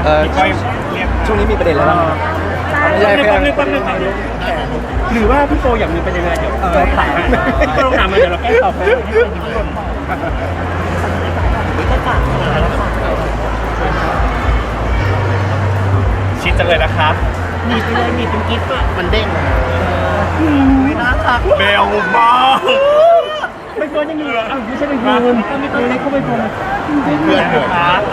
ช่วงนี้มีประเด็นอะไรบ้างไม่ใช่แค่หรือว่าพี่โปอยากมีเป็นยังไงเดี๋ยวเราถามเราถามมาเดี๋ยวเราแก้ตอบให้ชิดจังเลยนะครับมีไปเลยมีเป็นกิ๊บอะมันเด้งไม่น่ารักเบลมากไม่ควรจะมีไม่ใช่เป็นเพื่อนไม่เข้าไปพงเพื่อนครับ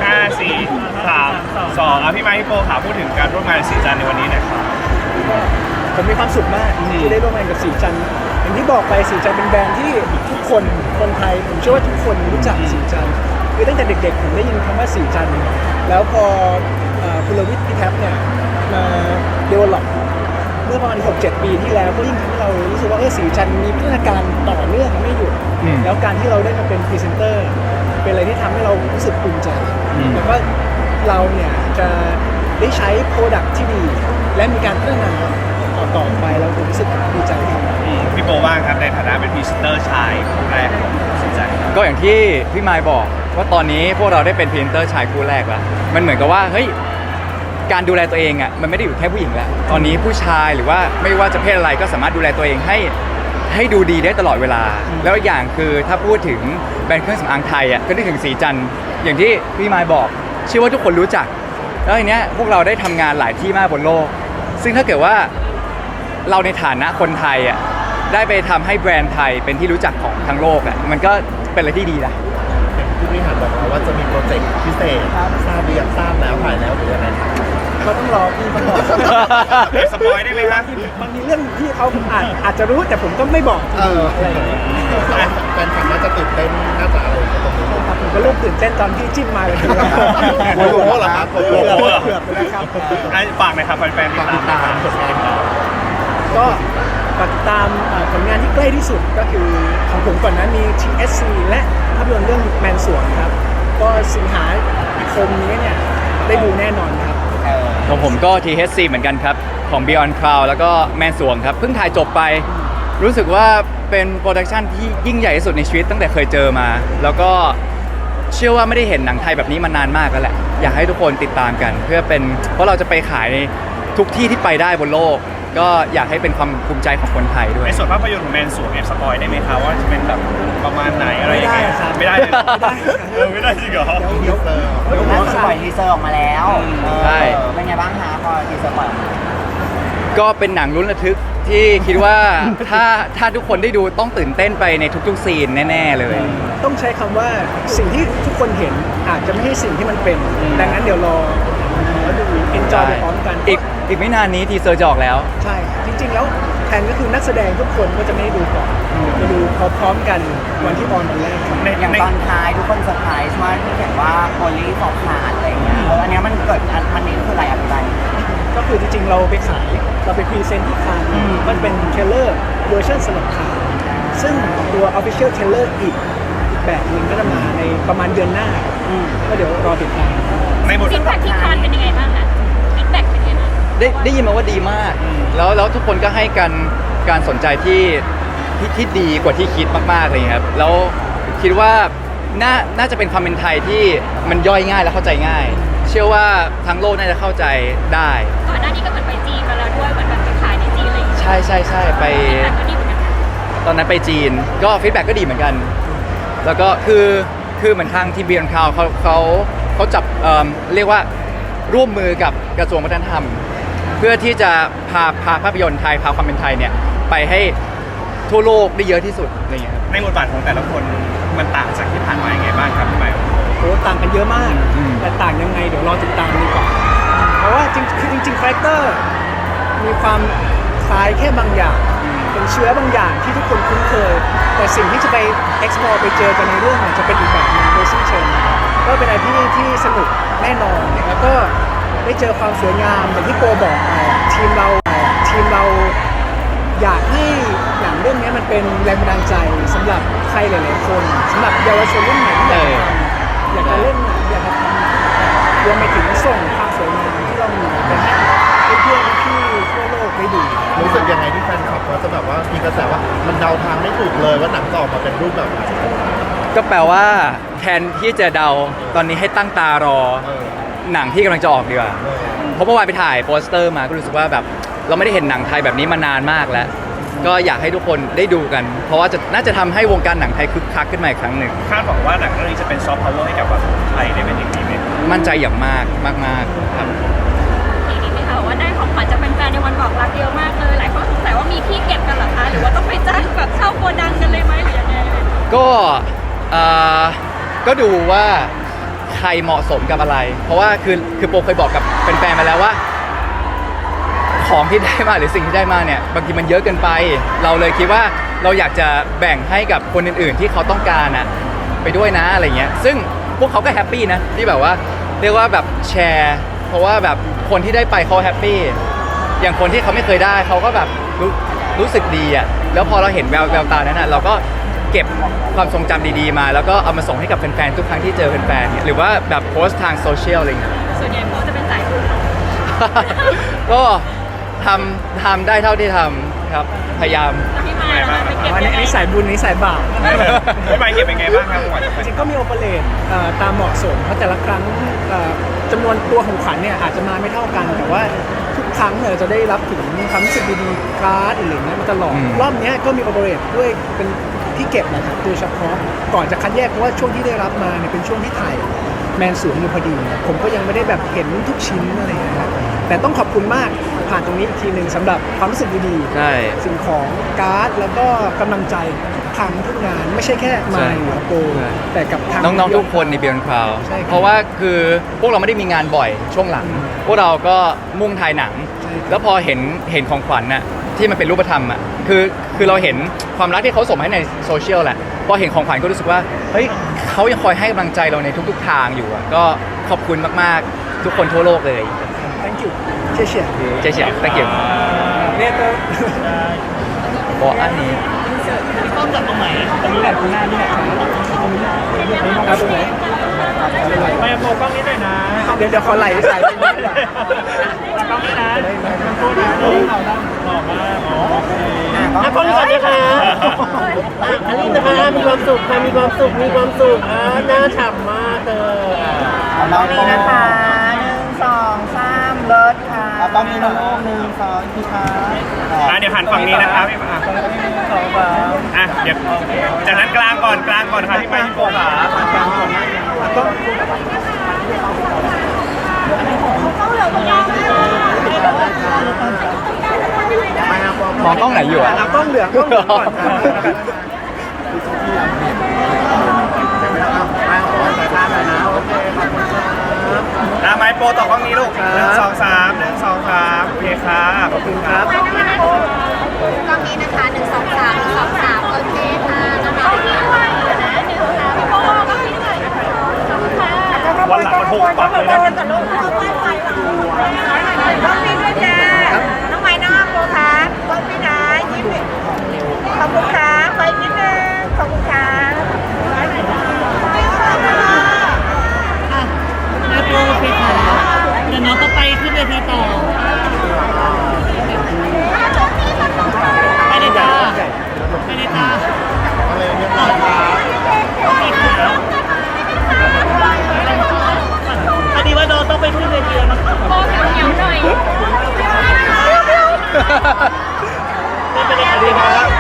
5 4 3 2พี่ไมค์พี่โปขาพูดถึงการร่วมงานสีจันในวันนี้นะครับผมมีความสุขมากที่ได้ร่วมงานกับสีจันอย่างที่บอกไปสีจันเป็นแบรนด์ที่ทุกคนไทยผมเชื่อว่าทุกคนรู้จักสีจันคือตั้งแต่เด็กๆผมได้ยินคำว่าสีจันแล้วพอคุณลวิทย์พี่แท็บเนี่ยมาเดเวลลอปเมื่อประมาณ 6-7 ปีที่แล้วก็ยิ่งทำให้เรารู้สึกว่าสีจันมีพัฒนาการต่อเนื่องไม่หยุดแล้วการที่เราได้มาเป็นพรีเซนเตอร์เป็นอะไรที่ทำให้เรารู้สึกภูมิใจแล้วก็เราเนี่ยจะได้ใช้โปรดักที่ดีและมีการพัฒนาต่อไปเรารู้สึกดีใจครับพี่โปว่างครับในฐานะเป็นพรีเซนเตอร์ชายคนแรกของสีจันก็อย่างที่พี่ไมค์บอกว่าตอนนี้พวกเราได้เป็นพรีเซนเตอร์ชายคู่แรกแล้วมันเหมือนกับว่าเฮ้ยการดูแลตัวเองอ่ะมันไม่ได้อยู่แค่ผู้หญิงแล้วตอนนี้ผู้ชายหรือว่าไม่ว่าจะเพศอะไรก็สามารถดูแลตัวเองให้ดูดีได้ตลอดเวลาแล้วอย่างคือถ้าพูดถึงแบรนด์เครื่องสำอางไทยอ่ะก็นึกถึงสีจันอย่างที่พี่ไมค์บอกเชื่อว่าทุกคนรู้จักแล้วทีเนี้ยพวกเราได้ทำงานหลายที่มากบนโลกซึ่งถ้าเกิดว่าเราในฐานะคนไทยอ่ะได้ไปทำให้แบรนด์ไทยเป็นที่รู้จักของทั้งโลกอ่ะมันก็เป็นอะไรที่ดีนะผู้บริหารบอกว่าจะมีโปรเจกต์พิเศษทราบหรือยังทราบแล้วถ่ายแล้วหรือยังไงครับก็ต้องรอพี่ต้องรอสปอยได้ไหมครับบางทีเรื่องที่เขาอาจจะรู้แต่ผมก็ไม่บอกอะไรอย่างเงี้ยแฟนคลับน่าจะตื่นเต้นน่าจะอะไรตรงนี้ผมก็เริ่มตื่นเต้นตอนที่จิ้มมาเลยโอ้โหเหรอครับโอ้โหเกือบไปแล้วครับฝากหน่อยครับแฟนๆติดตามผลงานก็ฝากติดตามผลงานที่ใกล้ที่สุดก็คือของผมก่อนนะมี TSC และภาพยนตร์เรื่องแมนสวงครับก็สิงหาคมนี้เนี่ยได้ดูแน่นอนครับของผมก็ THC เหมือนกันครับของ Beyond Cloud แล้วก็แมนสวงครับเพิ่งถ่ายจบไปรู้สึกว่าเป็นโปรดักชันที่ยิ่งใหญ่ที่สุดในชีวิตตั้งแต่เคยเจอมาแล้วก็เชื่อว่าไม่ได้เห็นหนังไทยแบบนี้มานานมากแล้วแหละอยากให้ทุกคนติดตามกันเพื่อเป็นเพราะเราจะไปขายในทุกที่ที่ไปได้บนโลกก็อยากให้เป็นความภูมิใจของคนไทยด้วยในส่วนภาพยนตร์ของแมนสวงสปอยได้ไหมครับว่าจะเป็นแบบประมาณไหนอะไรยังไงไม่ได้ไม่ได้จริงเหรอเดี๋ยวปล่อยทีเซอร์ออกมาแล้วใช่เป็นไงบ้างคะพอทีเซอร์ปล่อยก็เป็นหนังลุ้นระทึกที่คิดว่าถ้าทุกคนได้ดูต้องตื่นเต้นไปในทุกๆซีนแน่ๆเลยต้องใช้คำว่าสิ่งที่ทุกคนเห็นอาจจะไม่ใช่สิ่งที่มันเป็นดังนั้นเดี๋ยวรอดู enjoy ไปพร้อมกันอีกไม่นานนี้ทีเซอร์จะออกแล้วใช่จริงๆแล้วแทนก็คือนักแสดงทุกคนก็จะไม่ได้ดูก่อนจะดูพร้อมกันวันที่ออนวันแรกอย่างตอนท้ายทุกคนเซอร์ไพรส์ว่าที่เห็นว่าโพลีฟอกขาดอะไรอย่างเงี้ยอันนี้มันเกิดมันนี้คืออะไรอะไรก็คือจริงๆเราไปขายเราไปพรีเซนต์ที่คานมันเป็นเทเลอร์เวอร์ชันสำหรับคานซึ่งตัว Official Trailer อีกแบบหนึ่งก็จะมาในประมาณเดือนหน้าก็เดี๋ยวรอติดตามในบทฟีดแบ็กที่คานเป็นยังไงบ้างคะฟีดแบ็กเป็นยังไงบ้างได้ยินมาว่าดีมากแล้วทุกคนก็ให้การสนใจที่ดีกว่าที่คิดมากๆเลยครับแล้วคิดว่าน่าจะเป็นความเป็นไทยที่มันย่อยง่ายและเข้าใจง่ายเชื่อว่าทั้งโลกน่าจะเข้าใจได้ก่อนหน้านี้ก็เหมือนไปจีนมาแล้วด้วยเหมือนแบบไปขายในจีนอะไรอย่างเงี้ยใช่ไปตอนนั้นไปจีนก็ฟีดแบ็กก็ดีเหมือนกันแล้วก็คือเหมือนทางทีม Beyond Cloud เขาจับเรียกว่าร่วมมือกับกระทรวงวัฒนธรรมเพื่อที่จะพาภาพยนตร์ไทยพาความเป็นไทยเนี่ยไปให้ทั่วโลกได้เยอะที่สุดอะไรเงี้ยในบทบาทของแต่ละคนมันต่างจากที่ผ่านมาอย่างไงบ้างครับพี่ใหม่โอ้ต่างกันเยอะมากแต่ต่างยังไงเดี๋ยวรอติดตามดีกว่าเพราะว่าจริงคาแรคเตอร์มีความคล้ายแค่บางอย่างเป็นเชื้อบางอย่างที่ทุกคนคุ้นเคยแต่สิ่งที่จะไป explore ไปเจอกันในเรื่องจะเป็นอีกแบบนึงโดยสิ้นเชิงก็เป็นอะไรที่สนุกแน่นอนแล้วก็ได้เจอความสวยงามอย่างที่โกบอกไปทีมเราอยากให้หนังเรื่องนี้มันเป็นแรงบันดาลใจสำหรับใครหลายๆคนสำหรับเยาวชนรุ่นใหม่ที่อยากจะเล่นหนังอยากจะทำรวมไปถึงส่งความสวยงามที่เรามีไปให้เพื่อนๆที่ทั่วโลกได้ดูรู้สึกยังไงที่แฟนคลับเขาจะแบบว่ามีกระแสว่ามันเดาทางไม่ถูกเลยว่าหนังจะออกมาเป็นรูปแบบไหนก็แปลว่าแทนที่จะเดาตอนนี้ให้ตั้งตารอหนังที่กำลังจะออกดีกว่าเพราะเมื่อวานไปถ่ายโปสเตอร์มาก็รู้สึกว่าแบบเราไม่ได้เห็นหนังไทยแบบนี้มานานมากแล้ว ก็อยากให้ทุกคนได้ดูกัน เพราะว่าน่าจะทำให้วงการหนังไทยคึกคักขึ้นมาอีกครั้งหนึ่งคาดหวังว่าหนังเรื่องนี้จะเป็นซอฟต์พาวเวอร์ให้กับแบบไทยได้เป็นอย่างดีไหมมั่นใจอย่างมากมากๆครับทีนี้ไหมคะว่าได้ของขวัญจากแฟนๆในวันบอกรักเยอะมากเลยหลายคนสงสัยว่ามีที่เก็บกันเหรอคะหรือว่าต้องไปจ้างแบบเช่าโกดังกันเลยไหมหรือยังไงก็ก็ดูว่าใครเหมาะสมกับอะไร เพราะว่าคือโปเคยบอกกับแฟนๆมาแล้วว่า ของที่ได้มาหรือสิ่งที่ได้มาเนี่ยบางทีมันเยอะเกินไป เราเลยคิดว่าเราอยากจะแบ่งให้กับคนอื่นๆที่เขาต้องการอะไปด้วยนะอะไรเงี้ยซึ่งพวกเขาก็แฮปปี้นะที่แบบว่าเรียกว่าแบบแชร์เพราะว่าแบบคนที่ได้ไปเขาแฮปปี้อย่างคนที่เขาไม่เคยได้เขาก็แบบรู้สึกดีอะแล้วพอเราเห็นแววตานั้นอะเราก็เก็บความทรงจำดีๆมาแล้วก็เอามาส่งให้กับแฟนๆทุกครั้งที่เจอแฟนๆเนี่ยหรือว่าแบบโพสต์ทางโซเชียลอะไรเงี้ยส่วนใหญ่โพสจะเป็นสายบุญก็ทำได้เท่าที่ทำครับพยายามพี่มาแล้วไปเก็บอันยังไงนี้สายบุญนี้สายบาปพี่มายเก็บเป็นไงบ้างครับของขวัญจากแฟจนริงๆก็มีโอเปเรตตามเหมาะสมเพราะแต่ละครั้งจำนวนตัวของขวัญเนี่ยอาจจะมาไม่เท่ากัน แต่ว่าทุกครั้งเนี่ยจะได้รับถึงความรู้สึกดีๆการ์ดอะไรอย่างเงี้ยมาตลอด รอบเนี้ยก็มีโอเปเรตด้วยเป็นที่เก็บนะครับโดยเฉพาะก่อนจะคัดแยกเพราะว่าช่วงที่ได้รับมาเนี่ยเป็นช่วงที่ถ่ายแมนสวนอยู่พอดี ผมก็ยังไม่ได้แบบเห็นทุกชิ้นอะไรอย่างเงี้ยครับแต่ต้องขอบคุณมากผ่านตรงนี้อีกทีหนึ่งสำหรับความรู้สึกดีๆใช่สิ่งของการ์ดแล้วก็กำลังใจทำทุกงานไม่ใช่แค่มายหรือโกใช่แต่กับทางน้องๆทุกคนในเบียนคราวใช่ครับเพราะว่าคือพวกเราไม่ได้มีงานบ่อยช่วงหลัง พวกเราก็มุ่งถ่ายหนังใช่ครับแล้วพอเห็นของขวัญน่ะที่มันเป็นรูปธรรมอ่ะคือเราเห็นความรักที่เขาส่งมาให้ในโซเชียลแหละพอเห็นของขวัญก็รู้สึกว่าเฮ้ยเขายังคอยให้กำลังใจเราในทุกๆทางอยู่อ่ะก็ขอบคุณมากๆทุกคนทั่วโลกเลย thank you เชี่ยเจ๊เฉียบตะเกียบๆเนี่ยก็บอกอันนี้เอาตรงไหนไม่โมกล้องนี้หน่อยนะเดี๋ยวขอไหลสายไปนิดหน่อยกล้องนี้นะตัวดีหล่อมากอ๋อโอเคอ่ะกล้องนี้ก่อนนะคะอันนี้นะคะมีความสุขค่ะมีความสุขมีความสุขหน้าฉ่ำมากเธอตอนนี้นะคะ1 2 3เลิศค่ะตอนนี้น้องลูก1 2พี่ค่ะเดี๋ยวหันฝั่งนี้นะครับพี่มาเดี๋ยวจากนั้นกลางก่อนค่ะพี่มายพี่โป๊ขามองกล้องไหนอยู่อ่ะเอากล้องเหลืองก่อนไมค์โปรต่อกล้องนี้ลูก1 2 3 1 2 3โอเคค่ะขอบคุณครับกล้องนี้นะคะ1 2 3 1 2 3โอเคค่ะน้องๆที่ด้วยนะ1 2 3พี่โป้กล้องนี้ด้วยขอบคุณค่ะวันหลังมัน6ปักเลยนะกับลูกเข้าไปกล้องนี้ด้วยจ้าน้องไม้น้องโปค่ะกล้องนี้นะยิ้มขอบคุณค่ะไปนิดนึงขอบคุณค่ะเดี๋ยวน้องต้องไปขึ้นเวทีต่อ ไปเลยจ้าไปเลยจ้าพอดีว่าน้องต้องไปขึ้นเวทีแล้วนะครับโป้เหนียวๆหน่อยไม่เป็นไรครับ